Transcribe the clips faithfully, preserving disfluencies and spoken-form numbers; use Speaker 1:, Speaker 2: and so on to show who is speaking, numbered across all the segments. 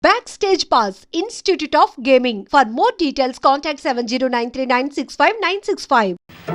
Speaker 1: Backstage Pass, Institute of Gaming. For more details, contact seven zero nine three nine six five nine six five.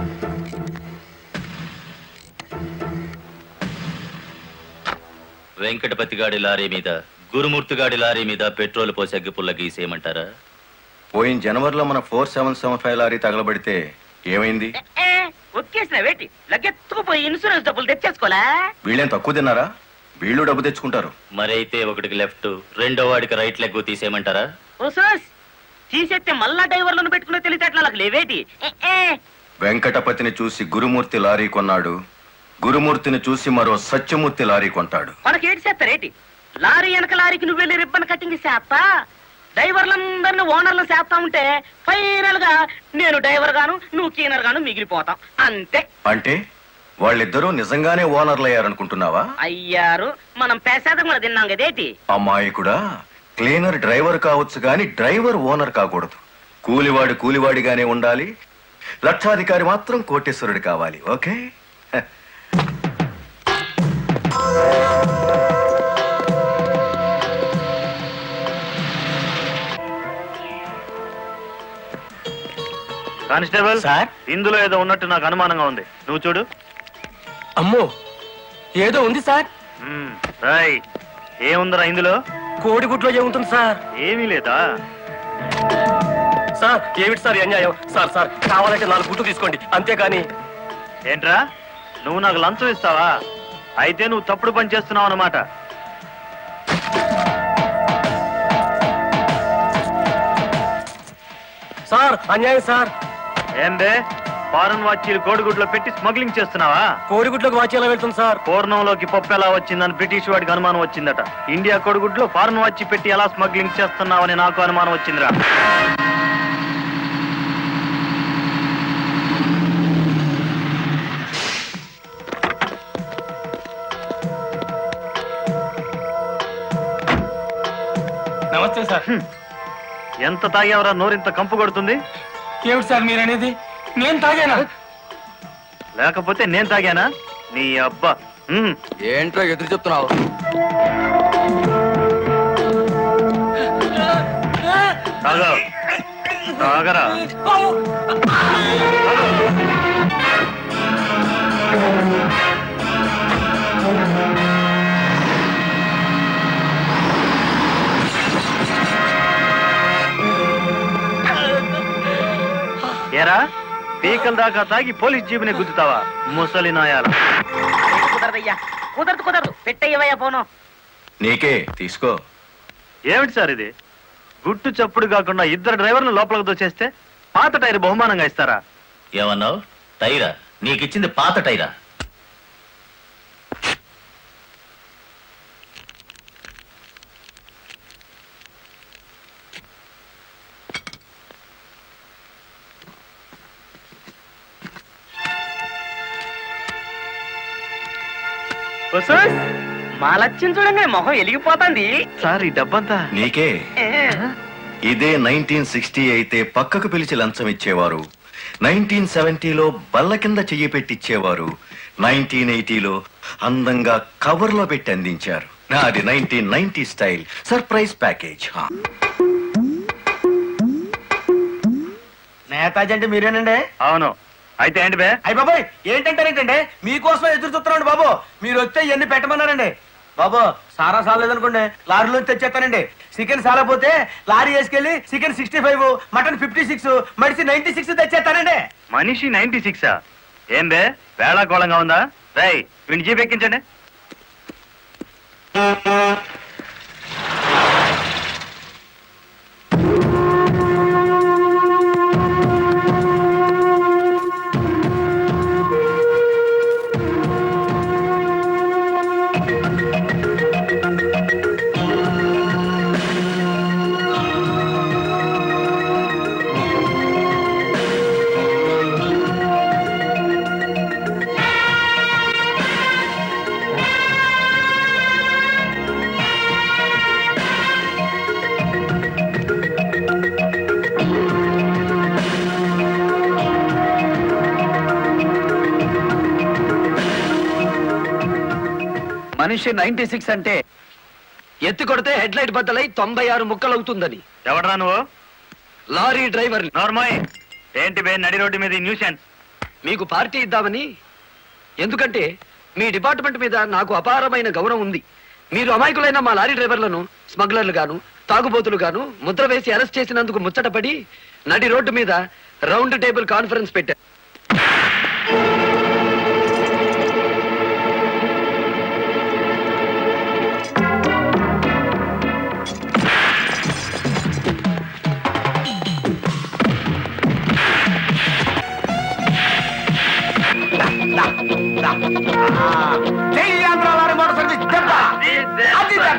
Speaker 2: Venkatapati గాడి lorry మీద గురుమూర్తి గాడి lorry మీద petrol పోసి అగ్గిపుల్ల గీసేయమంటారా?
Speaker 3: పోయిన జనవరిలో మన four seven seven five lorry తగలబడితే ఏమైంది?
Speaker 4: ఒక్కేసిన వేటి లగ్గెత్తుకుపోయి ఇన్సూరెన్స్ డబ్బులు తెచ్చేసుకోలే.
Speaker 3: వీళ్ళేం తక్కువ తిన్నారా? వీళ్ళు డబ్బు తెచ్చుకుంటారు.
Speaker 2: మరైతే ఒకటికి లెఫ్ట్, రెండో వాడికి రైట్ లెగ్ తీసేయమంటారా?
Speaker 4: తీసేస్తే మళ్ళా డ్రైవర్లను పెట్టుకునే తెలిసేట్లా నాకు లేవేటి.
Speaker 3: వెంకటపతిని చూసి గురుమూర్తి లారీ కొన్నాడు, గురుమూర్తిని చూసి మరో సత్యమూర్తి లారీ కొంటాడు.
Speaker 4: మనకేటి చేస్తారేటి? లారీ వెనక లారీకి నువ్వు వెళ్ళి రిబ్బన్ కటింగ్ చేస్తా, డ్రైవర్లందరినీ ఓనర్లు చేస్తా ఉంటే ఫైనల్ గా నేను డ్రైవర్ గాను నువ్వు క్లీనర్ గాను మిగిలిపోతాం అంతే.
Speaker 3: అంటే వాళ్ళిద్దరూ నిజంగానే ఓనర్లు అయ్యారనుకుంటున్నావా?
Speaker 4: అయ్యారు, మనం పేసాదం కూడా తిన్నాం కదేటి.
Speaker 3: అమ్మాయి కూడా క్లీనర్ డ్రైవర్ కావచ్చు గాని డ్రైవర్ ఓనర్ కాకూడదు. కూలివాడు కూలివాడిగానే ఉండాలి, లక్షాధికారి మాత్రం కోటేశ్వరుడు కావాలి. ఓకే?
Speaker 5: కానిస్టేబుల్ సార్, ఇందులో ఏదో ఉన్నట్టు నాకు అనుమానంగా ఉంది, నువ్వు చూడు.
Speaker 6: అమ్మో, ఏదో ఉంది సార్.
Speaker 5: రాయ్, ఏముందిరా ఇందులో?
Speaker 6: కోడిగుడ్లో ఏముంటుంది సార్?
Speaker 5: ఏమీ లేదా
Speaker 6: సార్? ఏమిటి సార్ అన్యాయం? సార్ సార్ కావాలంటే నాలుగు గుడ్లు తీసుకోండి, అంతేకాని.
Speaker 5: ఏంట్రా, నువ్వు నాకు లంచం ఇస్తావా? అయితే నువ్వు తప్పుడు పని చేస్తున్నావు అన్నమాట.
Speaker 6: సార్ అన్యాయం సార్.
Speaker 5: ఏందే, ఫారెన్ వాచీలు కోడిగుడ్లో పెట్టి స్మగ్లింగ్ చేస్తున్నావా?
Speaker 6: కోడిగుడ్లోకి వాచ్ ఎలా వెళ్తుంది సార్?
Speaker 5: పూర్ణంలోకి పప్పు ఎలా వచ్చిందని బ్రిటిష్ వాడికి అనుమానం వచ్చిందట. ఇండియా కోడిగుడ్లో ఫారెన్ వాచ్ పెట్టి ఎలా స్మగ్లింగ్ చేస్తున్నావని నాకు అనుమానం వచ్చిందిరా.
Speaker 6: నమస్తే సార్.
Speaker 5: ఎంత తాగేవరా నోరింత కంపు కొడుతుంది?
Speaker 6: ఏమిటి సార్ మీరనేది? నేను తాగానా?
Speaker 5: లేకపోతే నేను తాగానా? నీ అబ్బా.
Speaker 6: ఏంట్రా ఎదురు చెప్తున్నావు?
Speaker 5: తాగా తాగరా. ఏరా, పీకల దాకా తాగి పోలీస్ జీబుని గుద్దుతావా ముసలి నాయాల?
Speaker 4: కుదరదయ్యా, కుదరదు కుదరదు, పెట్టయ్యవయ్యా పోను.
Speaker 3: నీకే తీసుకో.
Speaker 5: ఏమిటి సార్ ఇది? గుట్టు చప్పుడు కాకుండా ఇద్దరు డ్రైవర్లు లోపలికి దోచేస్తే పాత టైర్ బహుమానంగా ఇస్తారా?
Speaker 2: ఏమన్నావు? టైరా? నీకిచ్చింది పాత టైరా?
Speaker 4: మా లక్ష్యం చూడండి, మొహం వెలిగిపోతుంది.
Speaker 5: సార్ ఈ డబ్బంతా
Speaker 3: నీకే. ఇదే నైన్టీన్ సిక్స్టీ అయితే పక్కకు పిలిచి లంచం ఇచ్చేవారు, నైన్టీన్ సెవెంటీలో బల్ల కింద చెయ్యి పెట్టిచ్చేవారు, నైన్టీన్ ఎయిటీలో అందంగా కవర్ లో పెట్టి అందించారు. నాది nineteen ninety style surprise package.
Speaker 6: Netaji అంటే మీరేనండి?
Speaker 5: అవును. అయితే ఏంటి బే?
Speaker 6: అయ్య బాబాయ్, ఏంటంటారేంటండి? మీకోసం ఎదురు చూస్తున్నాండి బాబు. మీరు వస్తే ఇవన్నీ పెట్టమన్నారండి బాబు. సారా సాలేదనుకోండి, లారీలో తెచ్చేస్తానండి. చికెన్ సాలపోతే లారీ వేసుకెళ్ళి chicken sixty five, mutton fifty six, మడిసి నైన్టీ సిక్స్ తెచ్చేస్తానండి.
Speaker 5: మనిషి నైన్టీ సిక్సా? ఏం బే, వేళాకోళంగా ఉందా? రై, వీడిని జీప్ ఎక్కించండి.
Speaker 6: మనిషి నైన్టీ సిక్స్ అంటే
Speaker 7: ఎత్తి కొడితే హెడ్ లైట్ బద్దలై తొంభై ఆరు ముక్కలవుతుందని.
Speaker 5: ఎవడరా నువ్వు?
Speaker 7: Lorry driver.
Speaker 5: నార్మల్ ఏంటి బే నడి రోడ్డు మీద న్యూసెన్స్?
Speaker 7: మీకు పార్టీ ఇద్దామని. ఎందుకంటే మీ డిపార్ట్మెంట్ మీద నాకు అపారమైన గౌరవం ఉంది. మీరు అమాయకులైన మా లారీ డ్రైవర్లను స్మగ్లర్లు గాను తాగుబోతులు గాను ముద్ర వేసి అరెస్ట్ చేసినందుకు ముచ్చటపడి నడి రోడ్డు మీద రౌండ్ టేబుల్ కాన్ఫరెన్స్ పెట్టారు.
Speaker 6: జై ఆంధ్ర లారీ మోటార్ సర్వీస్ దెబ్బ అది దెబ్బ.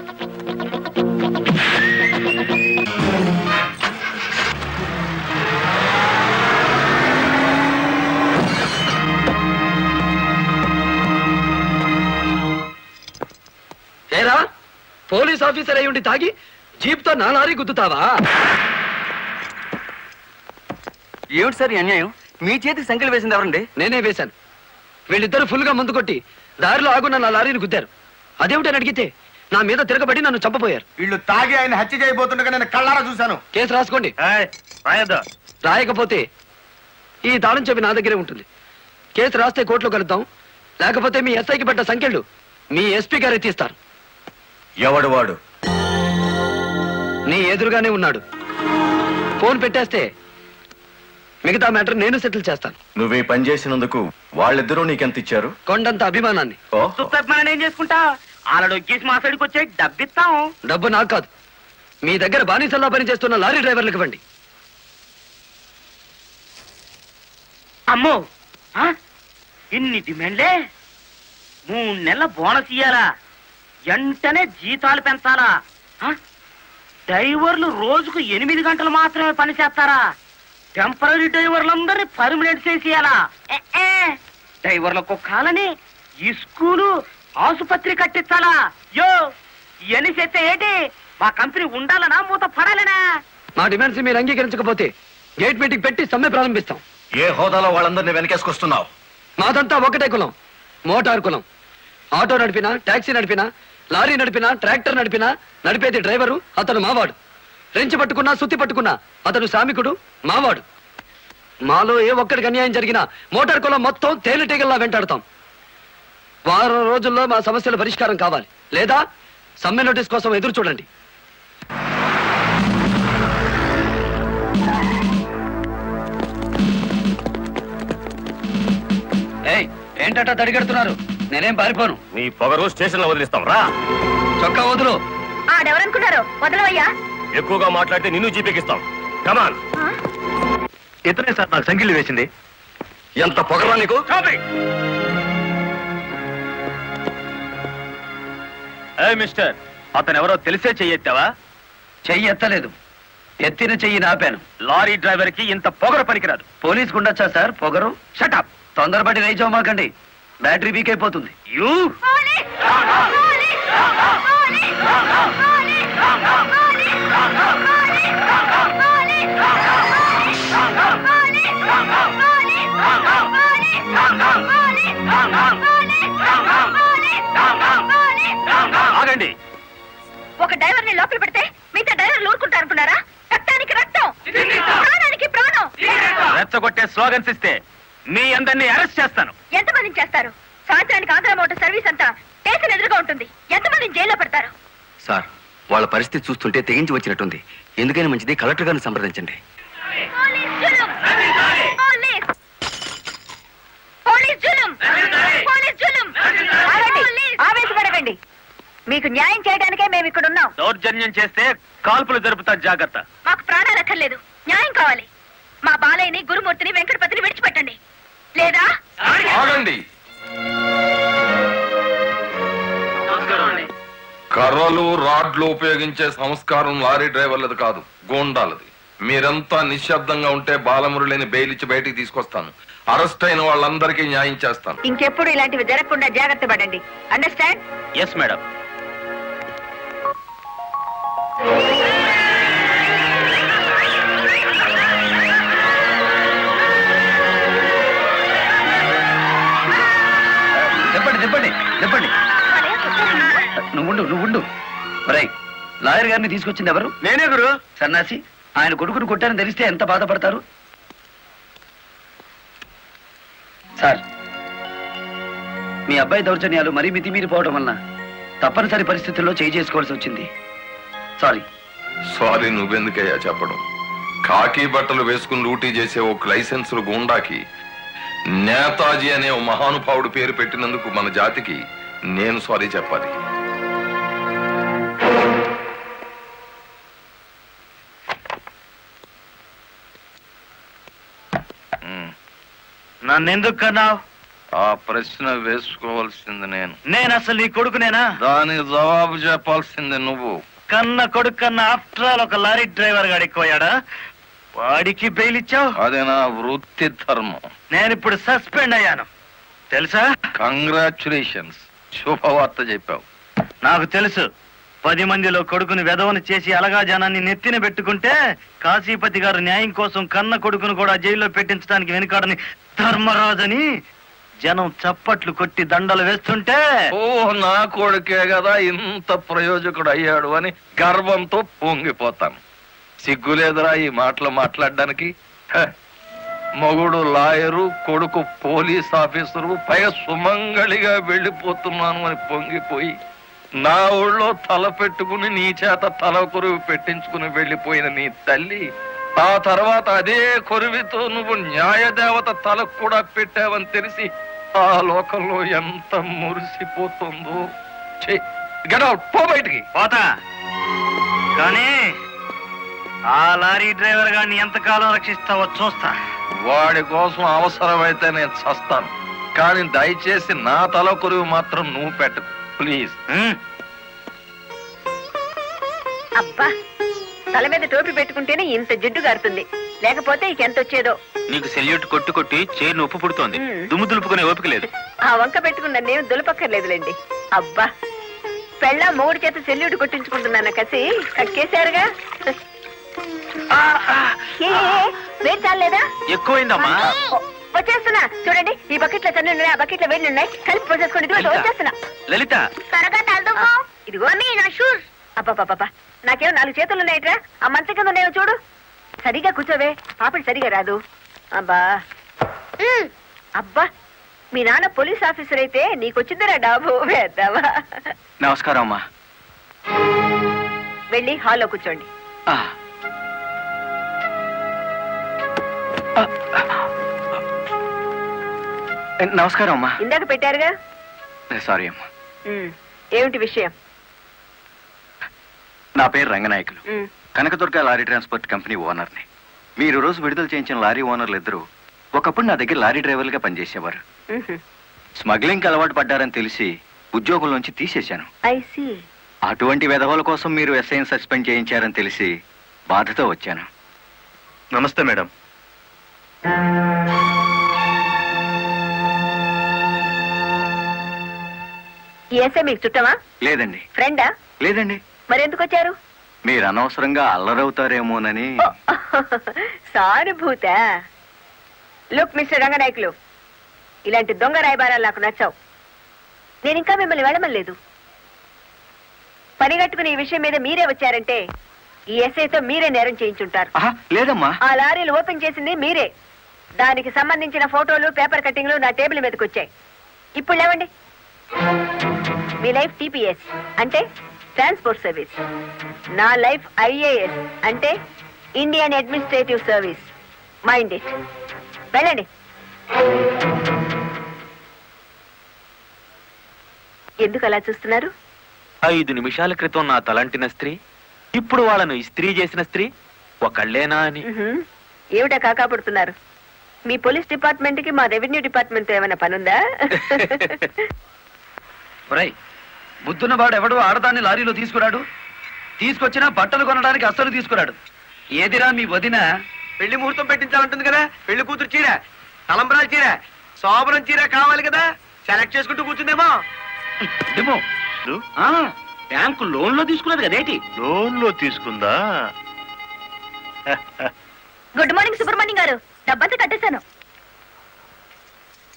Speaker 7: ఏరా పోలీస్ ఆఫీసర్ అయి ఉండి తాగి జీప్తో నా లారీ గుద్దుతావా?
Speaker 8: ఏమిటి సార్ ఈ అన్యాయం? మీ చేతికి సంఖ్యలు వేసింది ఎవరండి?
Speaker 7: నేనే వేశాను. వీళ్ళిద్దరు ఫుల్ గా ముందు కొట్టి దారిలో ఆగున్న నా లారీని గుద్దారు. అదేమిటని అడిగితే నా మీద తిరగబడి నన్ను చంపపోయారు.
Speaker 6: వీళ్ళు తాగి ఆయన హత్య చేయబోతుండగా నేను కళ్ళారా చూశాను.
Speaker 7: కేసు రాసుకోండి.
Speaker 5: రాయద్దా?
Speaker 7: రాయకపోతే ఈ తాళం చెవి నా దగ్గరే ఉంటుంది. కేసు రాస్తే కోర్టులో కలుద్దాం, లేకపోతే మీ ఎస్ఐకి పడ్డ సంఖ్యలు మీ ఎస్పీ గారు ఎత్తిస్తారు.
Speaker 3: ఎవడు వాడు?
Speaker 7: నీ ఎదురుగానే ఉన్నాడు. ఫోన్ పెట్టేస్తే మిగతా మ్యాటర్ నేను సెటిల్ చేస్తాను.
Speaker 3: నువ్వే పని చేసినందుకు వాళ్ళిద్దరూ నీకెంత ఇచ్చారు?
Speaker 7: కొండంత అభిమానాన్ని.
Speaker 3: ఓహో.
Speaker 4: మనం ఏం చేసుకుంటా ఆలడొక్కేసి మా సైడ్కి వచ్చే డబ్బిస్తాం.
Speaker 7: డబ్బు నాకు కాదు, మీ దగ్గర బానిసల్లా పనిచేస్తున్న లారీ డ్రైవర్లకు ఇవ్వండి.
Speaker 4: అమ్మో ఆ? ఇన్ని డిమాండ్లే. మూడు నెలల బోనస్ ఇయ్యాలా, వెంటనే జీతాలు పెంచాలా, ఆ? డ్రైవర్లు రోజుకు ఎనిమిది గంటలు మాత్రమే పని చేస్తారా? టెంపరీ డ్రైవర్లందరినీ పర్మనెంట్ చేసేయాలా? ఏ, ఏ. డ్రైవర్లకు కాలని ఈ స్కూలు ఆసుపత్రి కట్టించాలా? యో ఇవన్నీ చేస్తే ఏంటి? మా కంపెనీ ఉండాలనా మూత పడాలనా?
Speaker 7: మా డిమాండ్స్ మీరు అంగీకరించకపోతే గేట్ మీటింగ్ పెట్టి సమ్మె ప్రారంభిస్తాం.
Speaker 3: ఏ హోదాలో వాళ్ళందరినీ వెనకేసుకొస్తున్నావు?
Speaker 7: మాదంతా ఒకటే కులం, మోటార్ కులం. ఆటో నడిపినా, టాక్సీ నడిపినా, లారీ నడిపినా, ట్రాక్టర్ నడిపినా నడిపేది డ్రైవరు, అతను మావాడు. రెంచి పట్టుకున్నా, సుత్తి పట్టుకున్నా అతను శ్రామికుడు, మావాడు. మాలో ఏ ఒక్కడికి అన్యాయం జరిగినా మోటార్ కులం మొత్తం తేలిటీగల్లా వెంటాడతాం. వారం రోజుల్లో మా సమస్యల పరిష్కారం కావాలి, లేదా సమ్మె నోటీస్ కోసం ఎదురు చూడండి. ఏయ్, ఏంటట దడిగడుతున్నారు? నేనేం పారిపోను.
Speaker 5: నీ పొగరు స్టేషన్ లో వదిలిస్తాం రా.
Speaker 7: చొక్కా వదులు.
Speaker 9: ఆడెవరనుకున్నారు? వదలవయ్యా.
Speaker 5: ఎక్కువగా మాట్లాడితే నిన్ను జీపెక్కిస్తాం. కమాన్. ఇతనే సార్ నాకు సంఖ్యలు వేసింది.
Speaker 3: ఎంత పొగరా నీకు?
Speaker 5: మిస్టర్, అతను ఎవరో తెలిసే చెయ్యెత్తావా?
Speaker 7: చెయ్యి ఎత్తలేదు, ఎత్తిన చెయ్యి నాపాను.
Speaker 5: లారీ డ్రైవర్ కి ఇంత పొగరు పనికిరాదు.
Speaker 7: పోలీస్ కుండొచ్చా సార్ పొగరు?
Speaker 5: షటప్.
Speaker 7: తొందరపడి రైచోమాకండి, బ్యాటరీ వీక్ అయిపోతుంది.
Speaker 5: యూ ఆగండి.
Speaker 9: ఒక డ్రైవర్ ని లోపల పెడితే మిగతా డ్రైవర్లు ఊరుకుంటారు అనుకున్నారా? రక్తానికి రక్తం, ప్రాణానికి ప్రాణం.
Speaker 5: రెచ్చగొట్టే స్లోగన్స్ ఇస్తే మీ అందరినీ అరెస్ట్ చేస్తాను.
Speaker 9: ఎంతమందిని చేస్తారు? సాయంత్రానికి ఆంధ్ర మోటార్ సర్వీస్ అంతా స్టేషన్ ఎదురుగా ఉంటుంది. ఎంతమందిని జైల్లో పెడతారు?
Speaker 8: సార్, వాళ్ళ పరిస్థితి చూస్తుంటే తెగించి వచ్చినట్టుంది. ఎందుకైనా మంచిది కలెక్టర్ గారిని సంప్రదించండి.
Speaker 9: పోలీస్ జులుం! పోలీస్! పోలీస్ జులుం! పోలీస్ జులుం! ఆగండి, ఆవేశపడకండి. మీకు న్యాయం చేయడానికే మేము ఇక్కడ ఉన్నాం.
Speaker 5: దౌర్జన్యం చేస్తే కాల్పులు జరుపుతా, జాగ్రత్త.
Speaker 9: మాకు ప్రాణాలు అక్కర్లేదు, న్యాయం కావాలి. మా బాలయ్యని, గురుమూర్తిని, వెంకటపతిని విడిచిపెట్టండి, లేదా
Speaker 10: ఆగండి. కర్రలు రాడ్లు ఉపయోగించే సంస్కారం లారీ డ్రైవర్లది కాదు, గోండాలది. మీరంతా నిశ్శబ్దంగా ఉంటే బాలమురళిని బెయిలిచ్చి బయటికి తీసుకొస్తాను. అరెస్ట్ అయిన వాళ్ళందరికీ న్యాయం చేస్తాను.
Speaker 9: ఇంకెప్పుడు ఇలాంటివి జరగకుండా జాగ్రత్త పడండి. అండర్స్టాండ్?
Speaker 5: Yes madam.
Speaker 7: చెప్పండి చెప్పండి చెప్పండి. నువ్వుండు నువ్వుండు ఒరేయ్, లాయర్ గారిని తీసుకొచ్చింది ఎవరు?
Speaker 6: నేనే గురు.
Speaker 7: సన్నాసి, ఆయన కొడుకును కొట్టారని తెలిస్తే ఎంత బాధపడతారు? సార్, మీ అబ్బాయి దౌర్జన్యాలు మరీ మితిమీరిపోవడం వలన తప్పనిసరి పరిస్థితుల్లో చేయి చేసుకోవాల్సి వచ్చింది. సారీ.
Speaker 10: సారీ నువ్వెందుకయ్యా చెప్పడం? కాకి బట్టలు వేసుకుని డ్యూటీ చేసే ఒక లైసెన్సులు గుండాకి నేతాజీ అనే ఓ మహానుభావుడు పేరు పెట్టినందుకు మన జాతికి నేను సారీ చెప్పాలి.
Speaker 5: నన్నెందుకు కన్నావు?
Speaker 10: ఆ ప్రశ్న వేసుకోవాల్సింది నేను.
Speaker 5: నేను అసలు నీ కొడుకునేనా?
Speaker 10: దానికి జవాబు చెప్పాల్సింది నువ్వు.
Speaker 5: కన్న కొడుకు కన్నా ఆఫ్టర్ ఆల్ ఒక లారీ డ్రైవర్ గాడు ఎక్కువయ్యాడా? వాడికి బెయిల్ ఇచ్చావు?
Speaker 10: అది నా వృత్తి ధర్మం.
Speaker 5: నేను ఇప్పుడు సస్పెండ్ అయ్యాను తెలుసా?
Speaker 10: కంగ్రాచులేషన్స్, శుభవార్త చెప్పావు.
Speaker 5: నాకు తెలుసు. పది మందిలో కొడుకుని వెధవను చేసి అలగా జనాన్ని నెత్తిన పెట్టుకుంటే కాశీపతి గారు న్యాయం కోసం కన్న కొడుకును కూడా జైల్లో పెట్టించడానికి వెనుకాడని ధర్మరాజని జనం చప్పట్లు కొట్టి దండలు వేస్తుంటే,
Speaker 10: ఓ నా కొడుకే కదా ఇంత ప్రయోజకుడు అయ్యాడు అని గర్వంతో పొంగిపోతాను. సిగ్గులేదురా ఈ మాటలు మాట్లాడడానికి? హ, మొగుడు లాయరు, కొడుకు పోలీస్ ఆఫీసరు, పైగా సుమంగళిగా వెళ్ళిపోతున్నాను అని పొంగిపోయి నా ఊళ్ళో తల పెట్టుకుని నీ చేత తల కొరువు పెట్టించుకుని వెళ్ళిపోయిన నీ తల్లి ఆ తర్వాత అదే కొరువితో నువ్వు న్యాయదేవత తలకు కూడా పెట్టావని తెలిసి ఆ లోకంలో ఎంత మురిసిపోతుందో. గెట్ అవుట్, పో బయటికి.
Speaker 5: పోతా. కానీ ఆ లారీ డ్రైవర్ గారిని ఎంతకాలం రక్షిస్తావో చూస్తా.
Speaker 10: వాడి కోసం అవసరమైతే నేను చస్తాను, కానీ దయచేసి నా తల కొరువు మాత్రం నువ్వు పెట్టకు ప్లీజ్.
Speaker 9: అబ్బా, తల మీద టోపీ పెట్టుకుంటేనే ఇంత జిడ్డు గారుతుంది, లేకపోతే ఇక ఎంత వచ్చేదో.
Speaker 2: నీకు సెల్యూట్ కొట్టు కొట్టి చేరు ఉప్పు పుడుతోంది,
Speaker 9: మ్.
Speaker 2: దుమ్ము దులుపుకునే ఓపిక లేదు.
Speaker 9: ఆ వంక పెట్టుకున్న నేను దులపక్కర్లేదులేండి. అబ్బా, పెళ్ళ మూడు చేత సెల్యూట్ కొట్టించుకుంటున్నాను కసి కక్కేశారుగా. ఏ, వేడి చాలేదా?
Speaker 2: ఎక్కువైందమ్మా.
Speaker 9: వచ్చేస్తున్నా చూడండి. ఈ బకెట్ లో తన్ను ఉన్నాయి, ఆ బకెట్ లో వేడి ఉన్నాయి, కలిపి పోసేసుకోండి. ఇదిగో వచ్చేస్తున్నా.
Speaker 2: లలిత,
Speaker 9: త్వరగా తలదుకో. ఇదిగో మీ నా షూస్. అబ్బాబాబా, నాకేమో నాలుగు చేతులు ఉన్నాయట్రా. ఆ మంచం కింద ఉన్నాయో చూడు. సరిగా కూర్చోవే, పాపడి సరిగా రాదు. అబ్బా ఉమ్, అబ్బా, మీ నాన్న పోలీస్ ఆఫీసర్ అయితే నీకొచ్చిందిరా డాబు వేద్దావా.
Speaker 8: నమస్కారం అమ్మా.
Speaker 9: వెళ్ళి హాల్లో కూర్చోండి.
Speaker 8: ఆ. ఆ. నమస్కారం అమ్మా.
Speaker 9: ఇందాక పెట్టారుగా.
Speaker 8: సారీ అమ్మా.
Speaker 9: ఉమ్, ఏమిటి విషయం?
Speaker 8: నా పేరు రంగనాయకులు,
Speaker 9: ఉమ్,
Speaker 8: కనకదుర్గ లారీ ట్రాన్స్పోర్ట్ కంపెనీ ఓనర్ని. మీరు రోజు విడుదల చేయించిన లారీ ఓనర్లు ఇద్దరు ఒకప్పుడు నా దగ్గర లారీ డ్రైవర్లుగా పనిచేసేవారు.
Speaker 9: ఉహు.
Speaker 8: స్మగ్లింగ్కి అలవాటు పడ్డారని తెలిసి ఉద్యోగం నుంచి తీసేశాను.
Speaker 9: I see.
Speaker 8: అటువంటి వెధవల కోసం మీరు ఎస్ఐని సస్పెండ్ చేయించారని తెలిసి బాధతో వచ్చాను.
Speaker 5: నమస్తే మేడం.
Speaker 9: ఈ ఎస్ఐ మీకు చుట్టమా?
Speaker 8: లేదండి.
Speaker 9: ఫ్రెండా?
Speaker 8: లేదండి.
Speaker 9: మరెందుకు వచ్చారు?
Speaker 8: మీరు అనవసరంగా అల్లరవుతారేమోనని.
Speaker 9: సానుభూత. లుక్ మిస్టర్ రంగనాయకులు, ఇలాంటి దొంగ రాయబారాలు నాకు నచ్చావు. నేను ఇంకా మిమ్మల్ని వెళ్ళమలేదు. పనిగట్టుకుని ఈ విషయం మీద మీరే వచ్చారంటే ఈ ఎస్ఐతో మీరే నేరం చేయించుంటారు.
Speaker 8: ఆహా, లేదమ్మా.
Speaker 9: ఆ లారీలు ఓపెన్ చేసింది మీరే. దానికి సంబంధించిన ఫోటోలు, పేపర్ కట్టింగ్లు నా టేబుల్ మీదకి వచ్చాయి. ఇప్పుడు లేవండి. మీ లైఫ్ టీపీఎస్ అంటే ట్రాన్స్పోర్ట్ సర్వీస్, నా లైఫ్ ఐఏఎస్ అంటే Indian administrative service. Mind it. వెళ్ళండి. ఎందుకు అలా చూస్తున్నారు?
Speaker 2: ఐదు నిమిషాల క్రితం నా తలంటిన స్త్రీ ఇప్పుడు వాళ్ళను ఇస్త్రీ చేసిన స్త్రీ ఒకళ్ళేనా అని.
Speaker 9: ఉహుం. ఏమిటా కాకాపడుతున్నారు? మీ పోలీస్ డిపార్ట్మెంట్ కి మా రెవెన్యూ డిపార్ట్మెంట్ ఏమైనా పనుందా?
Speaker 7: ఒరేయ్, బుద్ధున్నవాడు ఎవడు ఆడదాన్ని లారీలో తీసుకురాడు? తీసుకొచ్చినా బట్టలు కొనడానికి అస్సలు తీసుకురాడు. ఏదిరా మీ వదిన?
Speaker 6: పెళ్లి ముహూర్తం పెట్టించాలంటుంది కదా. పెళ్లి కూతురు చీర, తలంబరాల చీర, శోభనం చీర కావాలి కదా. సెలెక్ట్ చేసుకుంటూ కూర్చుందేమో.
Speaker 5: ఏమో
Speaker 6: బ్యాంకు లోన్ లో తీసుకున్నది కదేటి?
Speaker 5: లోన్ లో తీసుకుందా?
Speaker 9: గుడ్ మార్నింగ్ సుబ్రహ్మణ్యం గారు, డబ్బంతా కట్టేశాను.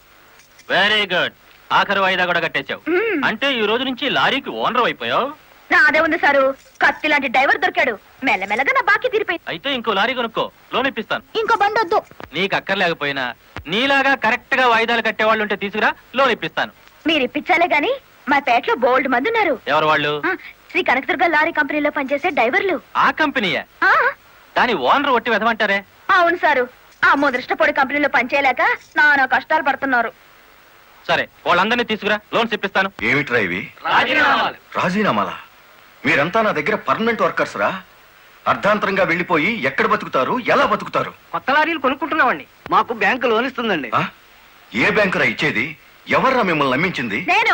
Speaker 2: వెరీ గుడ్, ఆఖరి వాయిదా కూడా కట్టేశావు.
Speaker 9: మ్మ్.
Speaker 2: అంటే ఈ రోజు నుంచి లారీకి ఓనర్ అయిపోయావు.
Speaker 9: నాదే ఉంది సారు, కత్తి లాంటి డ్రైవర్ దొరికాడు. మెల్లమెల్లగా నా బాకీ తీరిపోయింది.
Speaker 2: అయితే ఇంకో లారీ కొనుక్కో, లోన్ ఇప్పిస్తాను.
Speaker 9: ఇంకో బండి వద్దు.
Speaker 2: నీకు అక్కర్లేకపోయినా నీలాగా కరెక్ట్ గా వాయిదాలు కట్టేవాళ్ళు ఉంటే తీసుకురా, లోన్ ఇప్పిస్తాను.
Speaker 9: మీరు ఇప్పించాలే గాని మా పేటలో బోల్డ్ మంది ఉన్నారు.
Speaker 2: ఎవరు వాళ్ళు?
Speaker 9: ఆ, శ్రీ కనకదుర్గ లారీ కంపెనీలో పనిచేసే డ్రైవర్లు.
Speaker 2: ఆ కంపెనీయా?
Speaker 9: ఆ,
Speaker 2: దాని ఓనర్ ఒట్టి వెదమంటారే.
Speaker 9: అవును సారు, ఆ ముదృష్టపొడి కంపెనీలో పనిచేయలేక నానా కష్టాలు పడుతున్నారు.
Speaker 2: సరే, వాళ్ళందరినీ తీసుకురా, లోన్స్ ఇప్పిస్తాను.
Speaker 3: ఏమిట్రా ఇవి? రాజీనామాలా? మీరంతా నా దగ్గర పర్మనెంట్ వర్కర్స్ రా. అర్ధాంతరంగా వెళ్ళిపోయి ఎక్కడ బతుకుతారు, ఎలా బతుకుతారు?
Speaker 4: కొత్త లారీలు కొనుక్కుంటున్నామండి. మాకు బ్యాంకు లోన్ ఇస్తుందండి.
Speaker 3: ఆ? ఏ బ్యాంకురా ఇచ్చేది? ఎవర్రా మిమ్మల్ని నమ్మించింది?
Speaker 9: నేను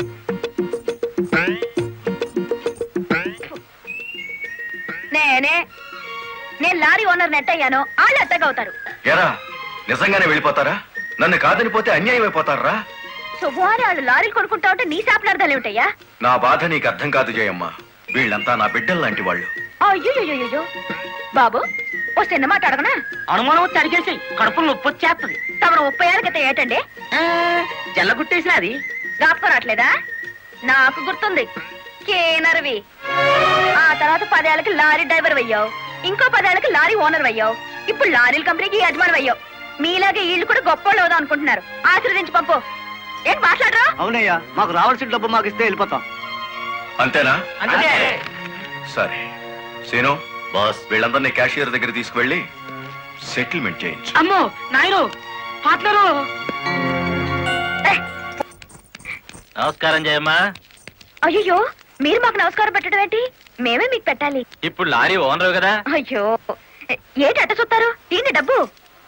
Speaker 9: నేనే నేను లారీ ఓనర్ నెట్ అయ్యాను, వాళ్ళు ఎత్తగవుతారు.
Speaker 3: ఎరా, నిజంగానే వెళ్ళిపోతారా? నన్ను కాదని పోతే అన్యాయం అయిపోతారా?
Speaker 9: శుభవారి వాళ్ళు లారీలు కొనుక్కుంటా ఉంటే నీ శాపలార్థాలు ఏమిటయ్యా?
Speaker 3: నా బాధ నీకు అర్థం కాదు జయమ్మ. వీళ్ళంతా నా బిడ్డలు లాంటి వాళ్ళు.
Speaker 9: అయ్యో బాబు, ఓ చిన్న మాట అడగనా?
Speaker 4: అనుమానం వచ్చి అడిగేసి కడుపులు నొప్పి వచ్చేస్తుంది.
Speaker 9: తమరు ముప్పై ఏళ్ళ క్రితం ఏటండి
Speaker 4: జల్లగుట్టేసిన అది
Speaker 9: జ్ఞాపకం రావట్లేదా? నాకు గుర్తుంది, కేనర్వి. ఆ తర్వాత పదేళ్ళకి లారీ డ్రైవర్ అయ్యావు, ఇంకో పదేళ్ళకి లారీ ఓనర్ అయ్యావు, ఇప్పుడు లారీల కంపెనీకి యజమాని అయ్యావు. మీలాగే వీళ్ళు కూడా గొప్ప అవుదాం అనుకుంటున్నారు. ఆశీర్వదించి పంపు. ఏంటి మాట్లాడరా?
Speaker 4: అవునయ్యా, మాకు రావాల్సిన డబ్బు మాకు ఇస్తే వెళ్ళిపోతాం.
Speaker 3: అంతేనా?
Speaker 4: అంతే.
Speaker 3: సరే సీను బాస్, వీళ్ళందరినీ క్యాషియర్ దగ్గర తీసుకువెళ్ళి సెటిల్మెంట్ చేయించు.
Speaker 4: అమ్మో నాయను, పాటలరు.
Speaker 2: నమస్కారం జయమ్మా.
Speaker 9: అయ్యో, మీరు మాకు నమస్కారం పెట్టడం ఏంటి? మేమే మీకు పెట్టాలి.
Speaker 2: ఇప్పుడు లారీ ఓనర్ కదా.
Speaker 9: అయ్యో, ఏంటి అట్ట చూస్తారు? తీయండి డబ్బు.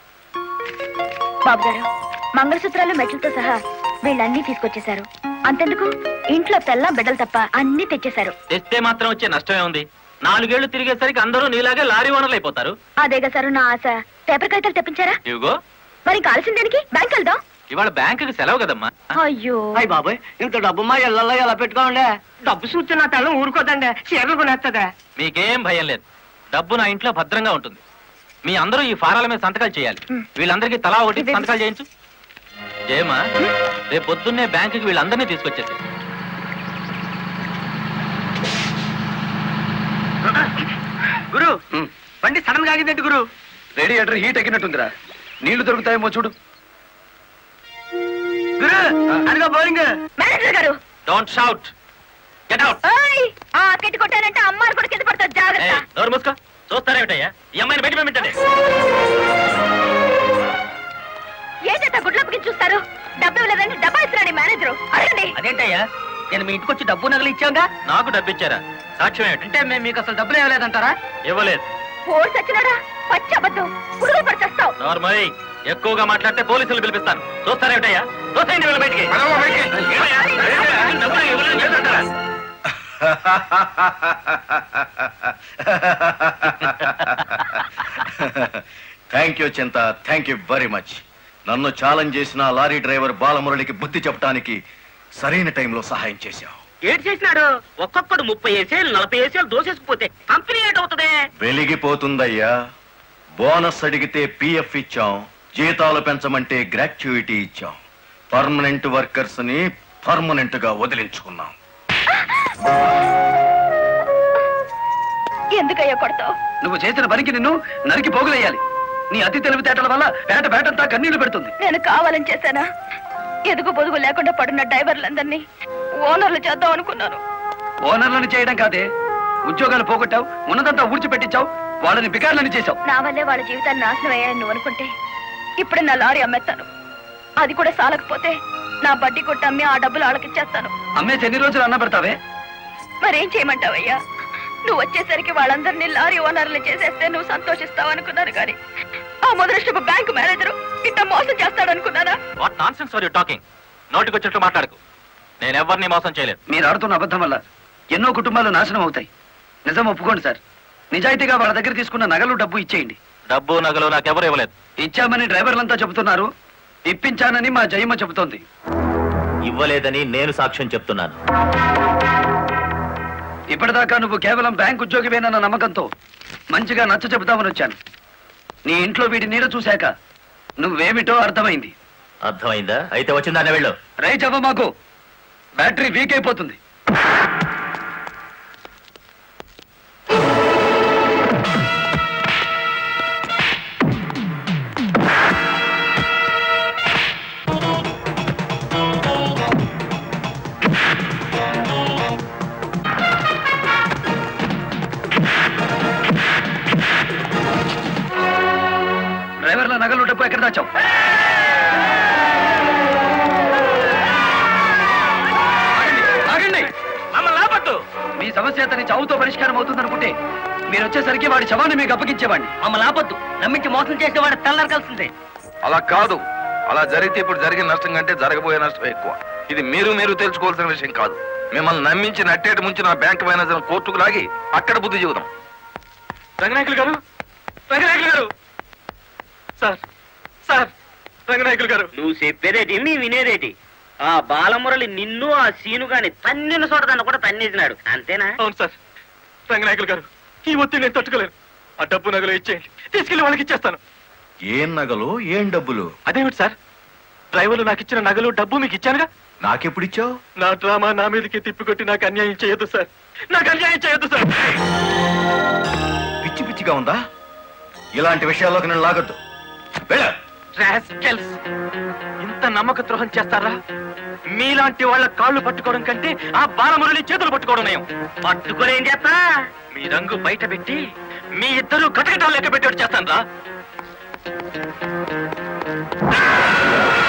Speaker 9: బాబు గారు, మంగళసూత్రాలు మెట్లతో సహా వీళ్ళన్నీ తీసుకొచ్చేశారు. అంతెందుకు, ఇంట్లో తెల్లం బిడ్డలు తప్ప అన్ని తెచ్చేశారు.
Speaker 2: తెస్తే మాత్రం వచ్చే నష్టమే ఉంది. నాలుగేళ్లు తిరిగేసరికి అందరూ నీలాగే లారీ ఓనర్లు అయిపోతారు.
Speaker 9: అదేగా సారు నా ఆశ. పేపర్ కాగితాలు తెప్పించారా?
Speaker 2: ఇవిగో.
Speaker 9: మరి కాల్సిన దానికి బ్యాంక్ వెళ్దాం.
Speaker 2: ఇవాళ బ్యాంకుకి సెలవు కదమ్మా.
Speaker 9: అయ్యో
Speaker 4: అయ్యి బాబాయ్, ఇంత డబ్బు మా ఇళ్ళల్లో ఎలా పెట్టుకోండి? డబ్బు చూస్తే నా తెల్లం ఊరుకోదండి, చీరలు కొనేస్తుందా?
Speaker 2: మీకేం భయం లేదు, డబ్బు నా ఇంట్లో భద్రంగా ఉంటుంది. మీ అందరూ ఈ ఫారాల మీద సంతకాలు చేయాలి. వీళ్ళందరికీ తలా ఒకటి సంతకాలు చేయించు. జయమా, రేపు పొద్దున్నే బ్యాంకుకి వీళ్ళందరినీ తీసుకొచ్చేసి.
Speaker 4: గురు, బండి సడన్ గా ఆగిందండి గురు.
Speaker 7: Radiator heat ఎక్కినట్టుందిరా. నీళ్లు దొరుకుతాయేమో చూడు.
Speaker 4: గురు, అదిగో బౌలింగ్.
Speaker 9: మేనేజర్ గారు,
Speaker 2: డోంట్ షౌట్, గెట్ అవుట్.
Speaker 9: ఓయ్, ఆ కెట్టి కొట్టానంటే అమ్మారు కూడా కింద పడతారు, జాగ్రత్త.
Speaker 2: నోరు మూసుకో. చూస్తారేమిటయ్యా, ఈ అమ్మాయిని బయట పంపించండి.
Speaker 9: ఏంటంటే గుడ్లప్పకి చూస్తారు? డబ్బు ఇవ్వలేదంటే డబ్బా ఇస్తున్నాడు మేనేజరు. అడగండి.
Speaker 4: అదేంటయ్యా, నేను మీ ఇంటికి వచ్చి డబ్బు నగలు ఇచ్చాగా?
Speaker 2: నాకు డబ్బు ఇచ్చారా? సాక్ష్యం ఏమిటి?
Speaker 4: అంటే మేము మీకు అసలు డబ్బులు ఇవ్వలేదంటారా?
Speaker 2: ఇవ్వలేదు.
Speaker 9: పోర్స్ వచ్చినాడా? పచ్చి అబద్ధం, పురుగు పడిచేస్తావు.
Speaker 2: నార్మల్ ఎక్కువగా మాట్లాడితే పోలీసులు పిలిపిస్తాను. చూస్తారేమిటయ్యా? చూస్తాయండి వీళ్ళ బయటికి. ఏమయ్యా? డబ్బులు ఇవ్వలేదు చేస్తుంటారా?
Speaker 3: థ్యాంక్ యూ చింత, థ్యాంక్ యూ వెరీ మచ్. నన్ను ఛాలెంజ్ చేసిన లారీ డ్రైవర్ బాలమురళికి బుద్ధి చెప్పడానికి సరైన టైంలో సహాయం చేశావు.
Speaker 4: ఏడు చేసినాడు? ఒక్కొక్కడు ముప్పై ఏసేలు నలభై ఏసేలు దోసేసుకుపోతే కంపెనీ ఏటవుతుంది?
Speaker 3: వెలిగిపోతుందయ్యా. బోనస్ అడిగితే పిఎఫ్ ఇచ్చాం, జీతాలు పెంచమంటే గ్రాట్యుయిటీ ఇచ్చాం. పర్మనెంట్ వర్కర్స్ ని పర్మనెంట్ గా వదిలించుకున్నాం.
Speaker 9: ఎందుకయ్యా కొడతావు?
Speaker 7: నువ్వు చేసిన పనికి నిన్ను నరికి పోగులేయాలి. నీ అతి తెలివితేటల వల్ల పేట పేటంతా కన్నీళ్లు పెడుతుంది.
Speaker 9: నేను కావాలని చేశానా? ఎదుగు పొదుగు లేకుండా పడున్న డ్రైవర్లందరినీ ఓనర్లు చేద్దాం అనుకున్నాను.
Speaker 7: ఓనర్లను చేయడం కాదే, ఉద్యోగాలు పోగొట్టావు, ఉన్నదంతా ఊడ్చిపెట్టించావు, వాళ్ళని బికార్లని చేశావు.
Speaker 9: నా వల్లే వాళ్ళ జీవితాన్ని నాశనం అయ్యాయని నువ్వు అనుకుంటే ఇప్పుడు నా లారీ అమ్మేస్తాను. అది కూడా సాలకపోతే నా బడ్డీ కొట్టి అమ్మి ఆ డబ్బులు వాళ్ళకిచ్చేస్తాను.
Speaker 7: అమ్మేసి ఎన్ని రోజులు అన్న పెడతావే?
Speaker 9: మరేం చేయమంటావయ్యా? నువ్వు వచ్చేసరికి వాళ్ళందరినీ లారీ ఓనర్లు చేసేస్తే నువ్వు సంతోషిస్తావు అనుకున్నాను, కానీ ఆ ముదృష్టపు బ్యాంకు మేనేజరు ఇట్లా మోసం చేస్తాడు అనుకున్నానా?
Speaker 2: What nonsense are you talking? నోటికొచ్చినట్టు మాట్లాడకు. నేను ఎవరిని మోసం చేయలేదు.
Speaker 7: మీరు ఆడుతున్న అబద్ధం వల్ల ఎన్నో కుటుంబాలు నాశనం అవుతాయి. నిజం ఒప్పుకోండి సార్. నిజాయితీగా వాళ్ళ దగ్గర తీసుకున్న నగలు డబ్బు ఇచ్చేయండి.
Speaker 2: డబ్బు నగలు నాకెవరు ఇవ్వలేదు.
Speaker 7: ఇచ్చామని డ్రైవర్లంతా చెబుతున్నారు, ఇప్పించానని మా జయమ్మ చెబుతోంది.
Speaker 2: ఇవ్వలేదని నేను సాక్ష్యం చెప్తున్నాను.
Speaker 7: ఇప్పటిదాకా నువ్వు కేవలం బ్యాంక్ ఉద్యోగివేనన్న నమ్మకంతో మంచిగా నచ్చ చెబుతామని వచ్చాను. నీ ఇంట్లో వీడి నీడ చూశాక నువ్వేమిటో అర్థమైంది.
Speaker 2: అర్థమైందా? అయితే వచ్చిందానే వెళ్ళు.
Speaker 7: రైట్ అవ్వ, మాకు బ్యాటరీ వీక్ అయిపోతుంది. దాచావు? ఆగండి, ఆగండి.
Speaker 2: మమ్మల్ని ఆపట్టు.
Speaker 7: మీ సమస్య అతని చావుతో పరిష్కారం అవుతుందనుకుంటే మీరు వచ్చేసరికి వాడి శవాన్ని మీకు అప్పగించేవాడిని.
Speaker 4: మమ్మల్ని ఆపొద్దు. నమ్మించి మోసం చేసేవాడు తెల్లారకాల్సిందే.
Speaker 10: అలా కాదు. అలా జరిగితే ఇప్పుడు జరిగిన నష్టం కంటే జరగబోయే నష్టం ఎక్కువ. ఇది మీరు మీరు తెలుసుకోవాల్సిన విషయం కాదు. మిమ్మల్ని నమ్మించి నట్టేటి ముంచి నా బ్యాంక్ మేనేజర్ కోర్టుకు లాగి అక్కడ బుద్ధి చెబుదాం.
Speaker 2: రంగనాయకులు గారు, రంగనాయకులు గారు, సార్ సార్ రంగనాయకులు గారు.
Speaker 4: నువ్వు చెప్పేదేటి మీ వినేదేటి? ఆ బాలమురళి నిన్ను ఆ సీను గాని తన్నిన చోట దాన్ని కూడా తన్నేసినాడు అంతేనా?
Speaker 2: అవును సార్. రంగనాయకులు గారు, ఈ ఒత్తిడి నేను తట్టుకోలేను. ఆ డబ్బు నగలు ఇచ్చేయండి, తీసుకెళ్లి వాళ్ళకి ఇచ్చేస్తాను.
Speaker 3: ఏం నగలు ఏం డబ్బులు?
Speaker 2: అదేమిటి సార్, డ్రైవర్లు నాకు ఇచ్చిన నగలు డబ్బు మీకు ఇచ్చానుగా.
Speaker 3: నాకెప్పుడిచ్చావు?
Speaker 2: నా డ్రామా నా మీదకి తిప్పికొట్టి నాకు అన్యాయం చేయొద్దు సార్, నాకు అన్యాయం చేయొద్దు సార్.
Speaker 3: పిచ్చి పిచ్చిగా ఉందా? ఇలాంటి విషయాల్లోకి నేను లాగొద్దు. వెళ్ళ.
Speaker 2: రాస్కెల్స్, ఇంత నమ్మక ద్రోహం చేస్తారా? మీలాంటి వాళ్ళ కాళ్ళు పట్టుకోవడం కంటే ఆ బాలమురళి చేతులు పట్టుకోవడం నయం.
Speaker 4: పట్టుకొని ఏం చేస్తా?
Speaker 2: మీ రంగు బయట పెట్టి మీ ఇద్దరు కటకటాలు లెక్క పెట్టేట్టు చేస్తాను రా.